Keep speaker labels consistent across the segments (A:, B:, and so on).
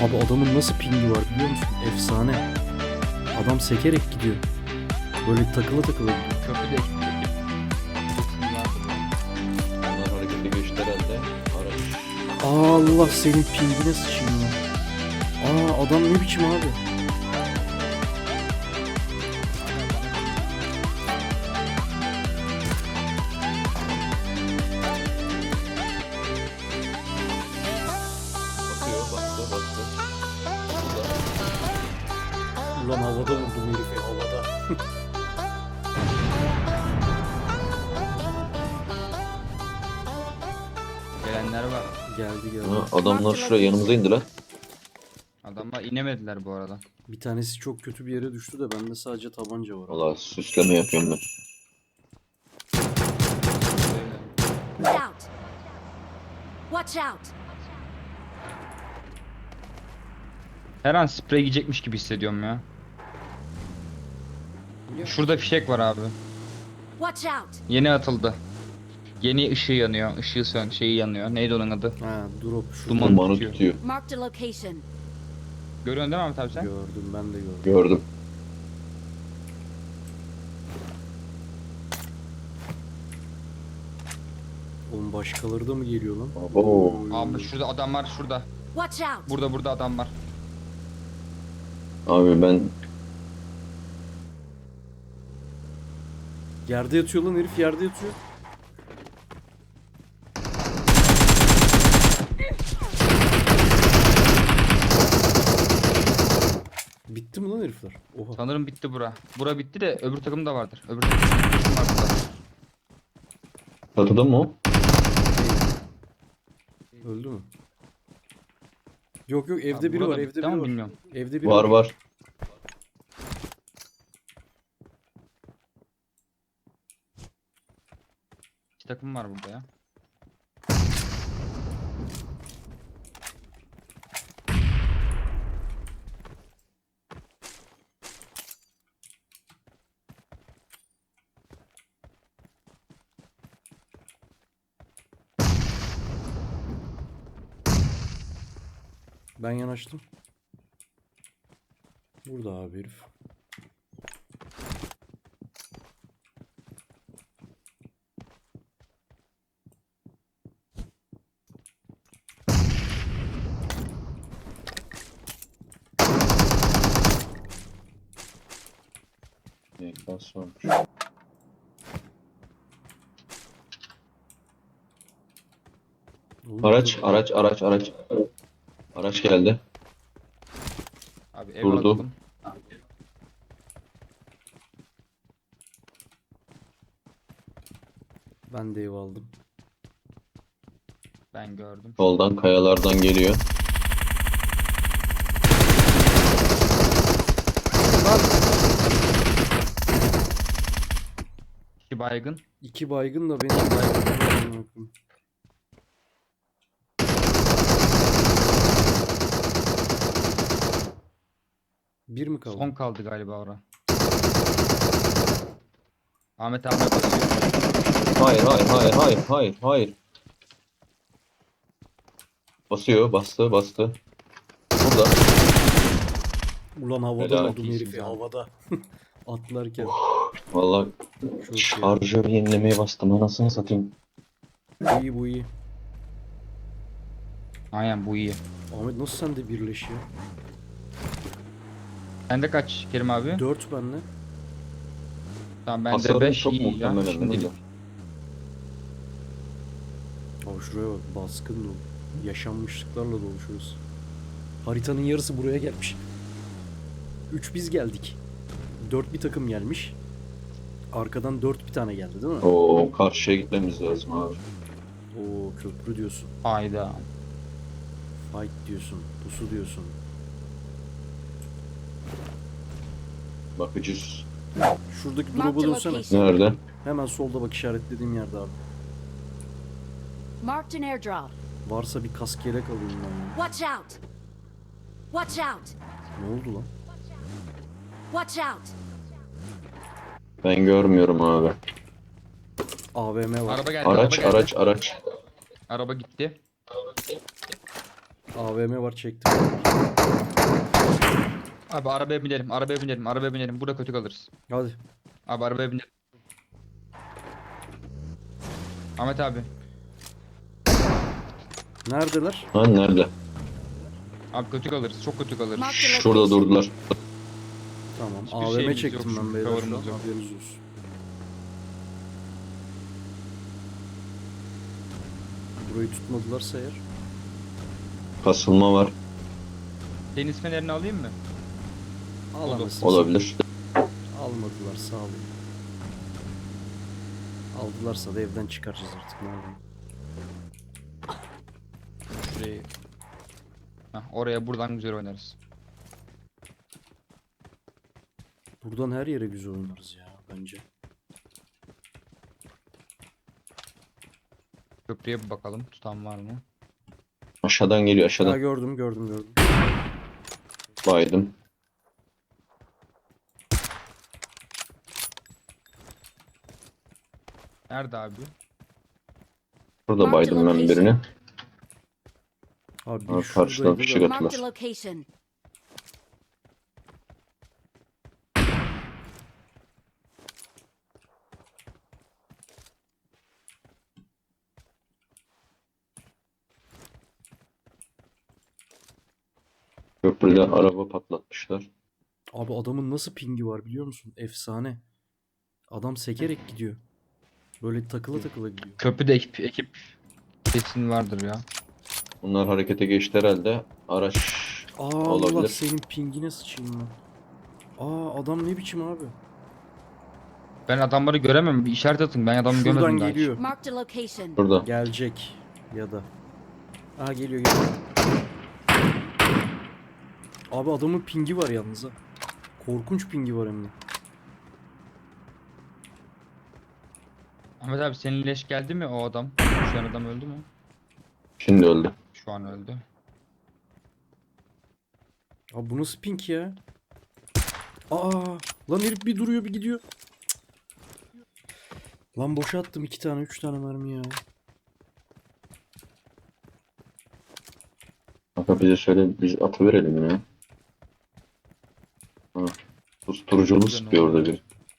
A: Abi adamın nasıl pingi var biliyor musun? Efsane. Adam sekerek gidiyor. Böyle takıla takıla gidiyor.
B: Köprü de ekmek.
C: Onlar harekete geçti herhalde. Araç.
A: Allah senin pingine sıçayım ya. Adam ne biçim abi?
C: Bastı.
A: Ulan havada vurdum herifi havada.
B: Gelenler var.
A: Geldi.
C: Ha, adamlar şuraya yanımıza indi lan.
B: Adamlar inemediler bu arada.
A: Bir tanesi çok kötü bir yere düştü de bende sadece tabanca var.
C: Valla süsleme yapıyorum ben.
D: Watch out! Watch out!
B: Her an sprey yiyecekmiş gibi hissediyorum ya. Şurada fişek var abi.
D: Watch out!
B: Yeni atıldı. Yeni ışığı yanıyor. Şeyi yanıyor. Neydi onun adı?
A: Ha drop şu.
B: Duman.
C: Dumanı
B: tutuyor.
C: tutuyor.
D: Marked a location.
B: Görüyorsun değil mi Ahmet abi sen?
A: Gördüm ben de gördüm.
C: Gördüm.
A: Oğlum başkaları da mı geliyor lan?
C: Oo.
B: Abi şurada adam var şurada.
D: Watch out!
B: Burada adam var.
C: Abi ben
A: Yerde yatıyor lan herif yerde yatıyor. Bitti mi lan herifler? Oha.
B: Sanırım bitti bura. Bura bitti de öbür takım da vardır. Öbür takım var burada.
C: çatıda mı o?
A: Öldü mü? Yok evde
B: Abi
A: biri
B: burada
A: var
B: bitti
A: evde
B: ama
A: biri var.
B: bilmiyorum.
A: Evde biri
C: Var.
B: İki takım var burada ya.
A: Ben yanaştım. Burada abi herif.
C: Nasıl olmuş?
A: Oğlum,
C: Araç geldi.
B: Abi ev
C: Durdu.
B: alalım.
A: Ben de ev aldım.
B: Ben gördüm.
C: Soldan kayalardan geliyor.
B: İki baygın.
A: 2 baygın da benim baygın. Bir mi kaldı?
B: Son kaldı galiba ora. Ahmet abi basıyor.
C: Hayır. Bastı. Burada.
A: Ulan havada
C: Helal
A: vurdum
B: olsun
A: herifi
B: canım.
A: havada. Atlarken.
C: Vallahi
A: Çok iyi.
C: şarjör yenilemeye bastım. Anasını satayım.
A: Bu iyi.
B: Aynen bu iyi.
A: Ahmet nasıl sen de birleş ya?
B: Sende kaç Kerim abi?
A: 4 benle.
B: Tamam bende
C: Hasarım
B: 5
C: çok
B: iyi ya.
C: muhtemelen
B: Şimdilik.
C: öyle.
A: Abi şuraya bak baskın dolu. Yaşanmışlıklarla dolu şurası. Haritanın yarısı buraya gelmiş. 3 biz geldik. 4 bir takım gelmiş. Arkadan 4 bir tane geldi değil mi?
C: Oo, karşıya gitmemiz lazım abi.
A: Oo köprü diyorsun.
B: Hayda.
A: Fight diyorsun. Pusu diyorsun.
C: Bakacağız.
A: Şuradaki
D: Marked
A: drop'a
D: a
A: dönsene.
D: location.
C: Nerede?
A: Hemen solda bak işaretlediğim yerde abi.
D: Marked an airdrop.
A: Varsa bir kask yelek alayım ben ya.
D: Watch out! Watch out!
A: Ne oldu lan?
D: Watch out!
C: Ben görmüyorum abi.
A: AVM var.
B: Araba geldi. Araba geldi.
C: Araç.
B: Araba gitti.
A: AVM var, çektim.
B: Abi arabaya binelim, arabaya binelim, arabaya binelim. Burada kötü kalırız.
A: Hadi.
B: Abi arabaya binelim. Ahmet abi.
A: Neredeler?
C: Ha nerede?
B: Abi kötü kalırız, çok kötü kalırız.
D: Mark the
C: Şurada
D: location.
C: durdular.
A: Tamam.
B: Hiçbir
A: AVM
B: şeyimiz
A: çektim
B: yok,
A: ben beyler şu an.
B: cover'ımız yok.
A: Haberiniz olsun. Burayı tutmadılarsa eğer.
C: Kasılma var.
B: Deniz fenerini alayım mı?
A: Alamazsın.
C: Olabilir.
A: Almadılar, sağ olun. Aldılarsa da evden çıkaracağız artık, ne yapalım.
B: Şurayı. Heh, oraya buradan güzel oynarız.
A: Buradan her yere güzel oynarız ya bence.
B: Köprüye bir bakalım, tutan var mı?
C: Aşağıdan geliyor
A: Ha,
C: aşağıdan.
A: gördüm.
C: Baydım.
B: Nerede abi?
C: Burada baydım ben birini.
A: Abi
C: Ha,
A: biri
C: karşıdan
A: şuradaydı
C: fişek
A: da.
C: atıyor.
D: Marked a location.
C: Köprüde araba patlatmışlar.
A: Abi adamın nasıl pingi var biliyor musun? Efsane. Adam sekerek gidiyor. Böyle takıla takıla gidiyor.
B: Köprüde ekip kesin vardır ya.
C: Bunlar harekete geçti herhalde. Araç
A: Aa, Allah
C: olabilir.
A: senin pingine sıçayım ben. Aa, adam ne biçim abi?
B: Ben adamları göremem. Bir işaret atın. Ben adamı
A: Şuradan
B: görmedim daha hiç.
A: geliyor.
D: Marked a location.
C: Burada.
A: Gelecek ya da. Aa, geliyor. Abi adamın pingi var yalnız ha. Korkunç pingi var hem de.
B: Ahmet abi senin leş geldi mi o adam? Şu an adam öldü mü?
C: Şimdi öldü.
B: Şu an öldü.
A: Abi bu nasıl pink ya? Aa, lan herif bir duruyor bir gidiyor. Cık. Lan boşa attım 2 tane 3 tane mermi ya.
C: Kanka bize söyle biz atıverelim ya. Ha. Susturuculu
B: Güzel
C: sıkıyor
B: oldu.
C: orada bir.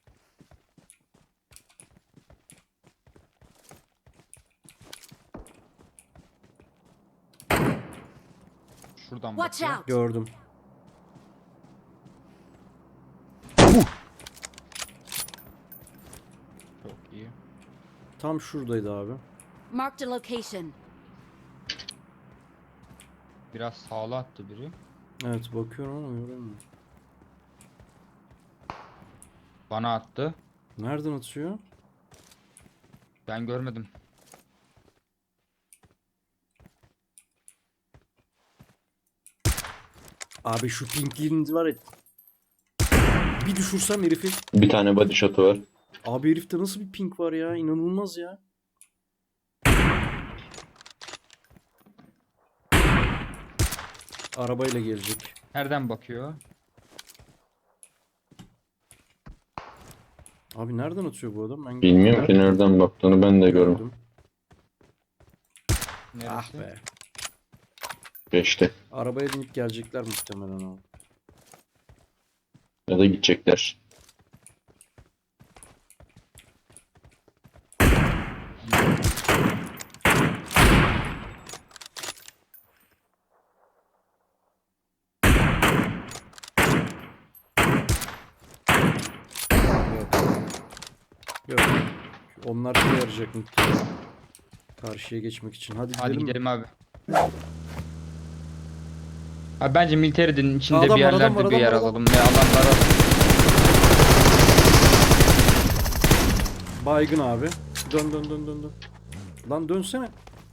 B: Şuradan
D: Watch
B: bakıyor.
D: out.
A: Gördüm.
B: Çok iyi.
A: Tam şuradaydı abi.
D: Marked a location.
B: Biraz sağlı attı biri.
A: Evet, bakıyorum ama göremiyorum.
B: Bana attı.
A: Nereden atıyor?
B: Ben görmedim.
A: Abi şu pinkliğiniz var ya. Bir düşürsem herifi.
C: Bir tane body shot'u var.
A: Abi herifte nasıl bir pink var ya? İnanılmaz ya. Arabayla gelecek.
B: Nereden bakıyor?
A: Abi nereden atıyor bu adam? Ben
C: Bilmiyorum ki nereden baktığını ben de görmedim.
A: gördüm.
B: Neresi?
A: Ah be.
C: Geçti.
A: Arabaya binip gelecekler muhtemelen abi.
C: Ya da gidecekler.
A: Yok. Yok. Onlar şey yarayacak muhtemelen. Karşıya geçmek için. Hadi gidelim.
B: Hadi
A: mi?
B: gidelim abi. Abi bence militerinin içinde
A: Adam
B: bir
A: var, adam
B: yerlerde
A: var,
B: bir
A: adam
B: yer
A: var, adam.
B: alalım ve adamlara
A: Baygın abi. Dön. Lan dönsene.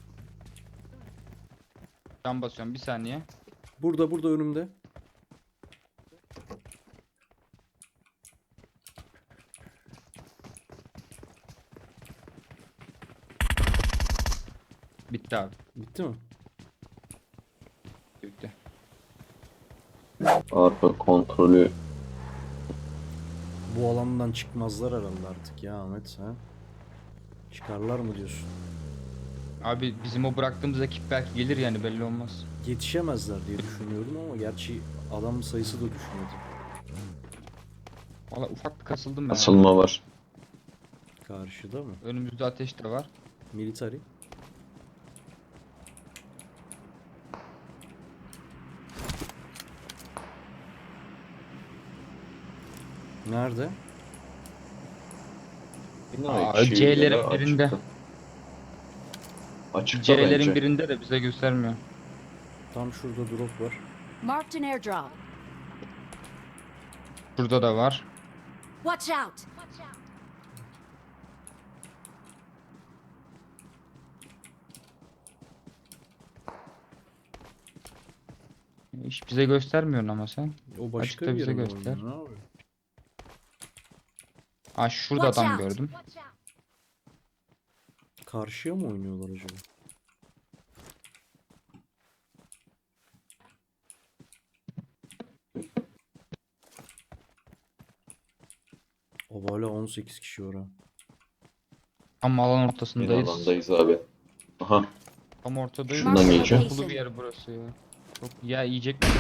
B: can basıyorum bir saniye.
A: Burada önümde.
B: Bitti abi.
A: Bitti mi?
B: Bitti.
C: Arka kontrolü
A: Bu alandan çıkmazlar herhalde artık ya Ahmet, ha? Çıkarlar mı diyorsun?
B: Abi bizim o bıraktığımız ekip belki gelir yani belli olmaz.
A: Yetişemezler diye düşünüyorum ama gerçi adam sayısı da düşmedi.
B: Valla ufak bir kasıldım ben.
C: Asılma var.
A: Karşıda mı?
B: Önümüzde ateş de var.
A: Military. Nerede?
B: Aa, C'lerin birinde.
C: Açıkta
B: C'lerin
C: bence.
B: birinde de bize göstermiyor.
A: Tam şurada drop var.
D: Marked an airdrop.
B: Şurada da var.
D: Watch out!
B: Hiç bize göstermiyorsun ama sen.
A: O başka
B: Açıkta
A: bir
B: bize
A: yere mi
B: göster.
A: oynuyor? Ne yapıyor?
B: Aa şurada
D: Watch
B: adam
D: out!
B: gördüm.
A: Karşıya mı oynuyorlar acaba? O hala 18 kişi var ha.
B: Tam alan
C: Yine
B: ortasındayız.
C: alandayız abi. Aha.
B: Tam ortadayız.
C: Şuradan geçeceğim.
B: Okulu bir yer burası ya. Çok ya yiyecek mi?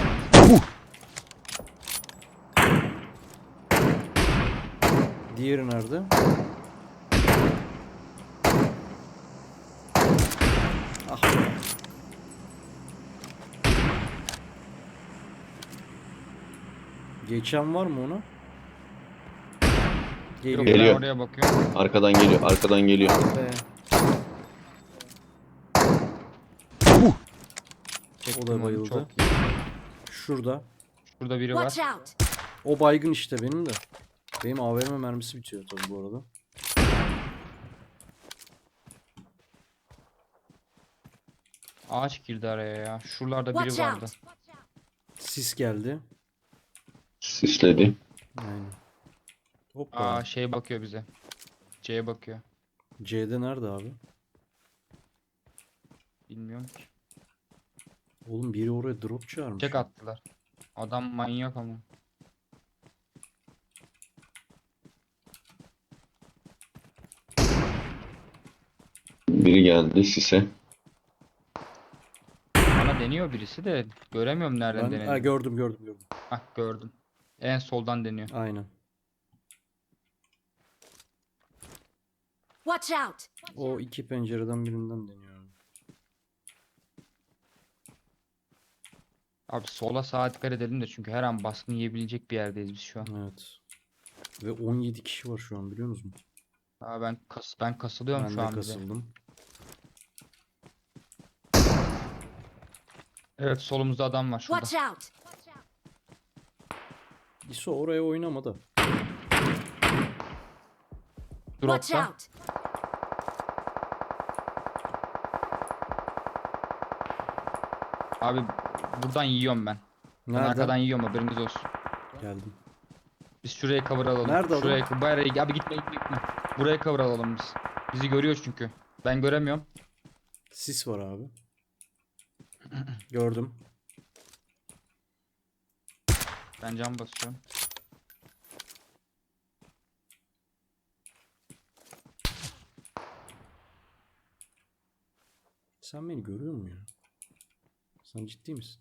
A: Diğeri nerede? Ah be. Geçen var mı ona? Geliyor.
B: Yok
C: Geliyor.
B: ben oraya bakıyorum.
C: Arkadan geliyor. Arkadan geliyor.
A: Be.
B: Çektim
A: O da
B: onu,
A: bayıldı.
B: çok iyi.
A: Şurada.
B: Şurada biri
D: Watch
B: var.
D: out!
A: O baygın işte benim de. Benim AVM mermisi bitiyor tabii bu arada.
B: Ağaç girdi araya ya. Şuralarda biri
D: Watch
B: vardı.
D: out!
A: Sis geldi.
C: Sisledi.
A: Aynen. Hoppa.
B: Aa şey bakıyor bize. C'ye bakıyor.
A: C'de nerede abi?
B: Bilmiyorum ki.
A: Oğlum biri oraya drop çağırmış.
B: Çek attılar. Adam manyak ama.
C: Biri geldi sise.
B: Bana deniyor birisi de göremiyorum nereden
A: Ben, ha,
B: denediğini.
A: gördüm.
B: Hah gördüm. En soldan deniyor.
A: Aynen.
D: Watch out!
A: O iki pencereden birinden deniyor.
B: Abi sola sağa dikkat edelim de çünkü her an baskın yiyebilecek bir yerdeyiz biz şu an.
A: Evet. Ve 17 kişi var şu an biliyor musun?
B: Aa ben kasılıyorum
A: Ben
B: şu
A: de
B: an bir de.
A: kasıldım.
B: Evet solumuzda adam var şurada.
D: Watch out!
A: İso oraya oynama da.
D: Watch
B: Dropta.
D: out!
B: Abi buradan yiyorum ben. Ben
A: Nereden?
B: arkadan yiyorum haberiniz olsun.
A: Geldim.
B: Biz şuraya cover alalım.
A: Nerede adam?
B: Şuraya bayağı abi gitme. Buraya cover alalım biz. Bizi görüyor çünkü. Ben göremiyorum.
A: Sis var abi. Gördüm.
B: Ben cam basıyorum.
A: Sen beni görüyor musun ya? Sen ciddi misin?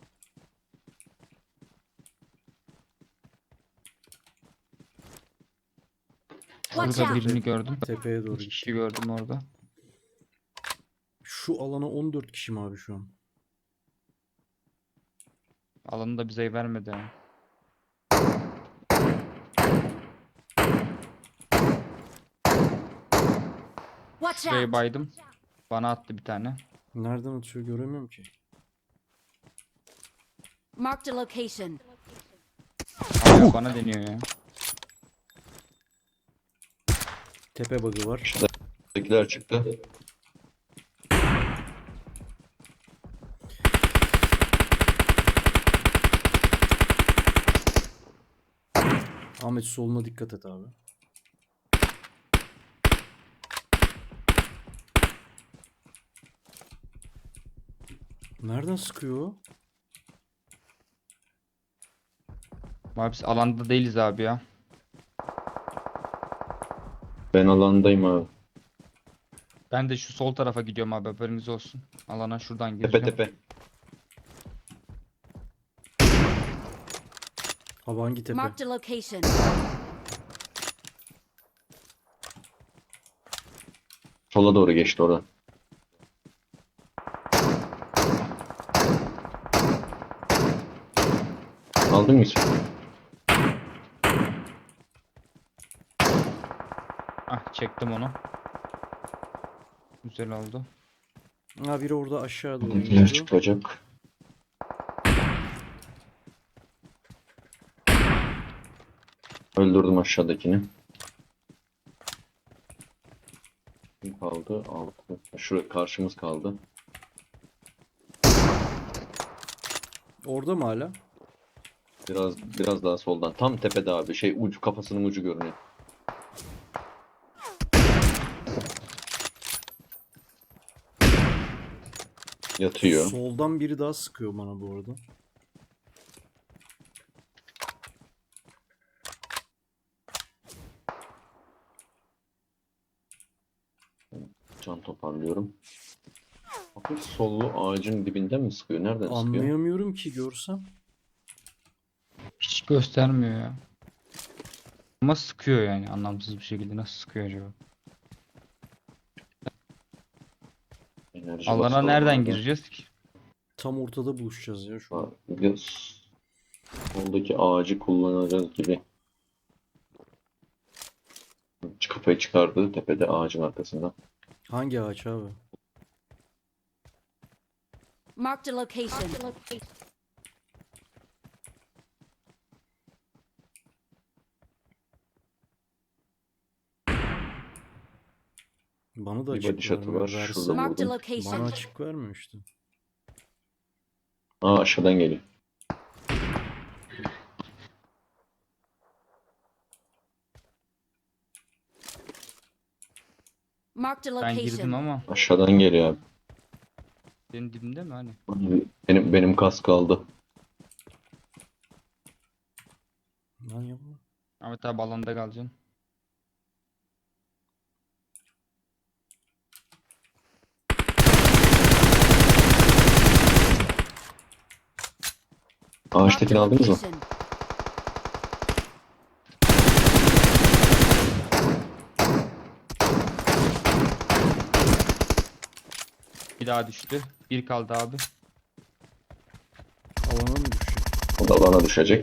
D: Watch
B: Şurada
D: out!
B: birini gördüm.
A: Tepeye doğru
B: İki
A: git.
B: kişi gördüm orada.
A: Şu alana 14 kişi mi abi şu an?
B: Alanı da bize vermedi. Yani.
D: Watch
B: Şurayı
D: out!
B: baydım. Bana attı bir tane.
A: Nereden atıyor göremiyorum ki.
D: Marked a location.
B: Hala bana deniyor ya.
A: Tepe bug'ı var.
C: Tekiler çıktı.
A: Ahmet soluna dikkat et abi. Nereden sıkıyor o?
B: Abi biz alanda değiliz abi ya.
C: Ben alandayım abi.
B: Ben de şu sol tarafa gidiyorum abi, haberiniz olsun. Alana şuradan
C: Tepe
B: gireceğim.
C: tepe.
A: Abi hangi tepe?
D: Marked a location.
C: Sola doğru geçti oradan. Aldın mı hiç?
B: Ah, çektim onu. Güzel oldu.
A: Ha biri orada aşağı doğru
C: Bizimkiler
A: iniyordu.
C: çıkacak. Öldürdüm aşağıdakini. Kim kaldı? 6. Şurada karşımız kaldı.
A: Orada mı hala?
C: Biraz daha soldan. Tam tepede abi. Ucu, kafasının ucu görünüyor. Yatıyor.
A: Soldan biri daha sıkıyor bana bu arada.
C: Can toparlıyorum. Hafif sollu ağacın dibinden mi sıkıyor? Nereden sıkıyor?
A: Anlayamıyorum ki görsem.
B: Hiç göstermiyor ya. Ama sıkıyor yani, anlamsız bir şekilde. Nasıl sıkıyor acaba?
C: Enerji
B: Alana
C: basalım
B: nereden
C: abi.
B: gireceğiz ki?
A: Tam ortada buluşacağız ya şu an.
C: Biraz soldaki ağacı kullanacağız gibi. Kafayı çıkardı tepede ağacın arkasında.
A: Hangi ağaç abi?
D: Marked a location.
A: Bana da
C: Bir
A: açık
C: body shot'ı
A: vermiyor.
C: var. Şurada
A: Verse
D: Marked a
C: vurdum.
D: location.
A: bana açık vermiyor işte.
C: Aşağıdan geliyor.
D: Marked a
B: Ben girdim
D: location.
B: ama
C: Aşağıdan geliyor abi.
B: benim dibimde mi hani?
C: Benim kas kaldı.
A: Lan yapma.
B: Ahmet abi alanda kalacaksın.
D: Marked
C: Ağaçtakini
D: a
C: aldınız mı?
D: location.
B: Bir daha düştü. Bir kaldı abi.
A: Alana mı düşecek?
C: O da bana düşecek.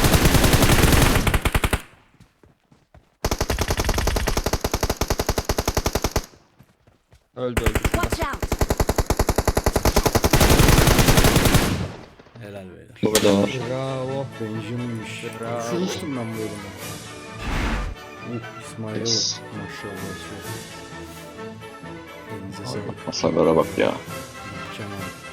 B: Öldü öldü. şurada.
D: Watch out.
A: Helal beyler.
C: Burada var.
B: Bravo.
A: Benjamin'miş.
B: Bravo.
A: Uçurmuştum ben bu bölümü. İsmail'e
C: Yes.
A: bak. Maşallah. Elinize sağlık.
C: Hasarlara bak ya.
A: Mükemmel.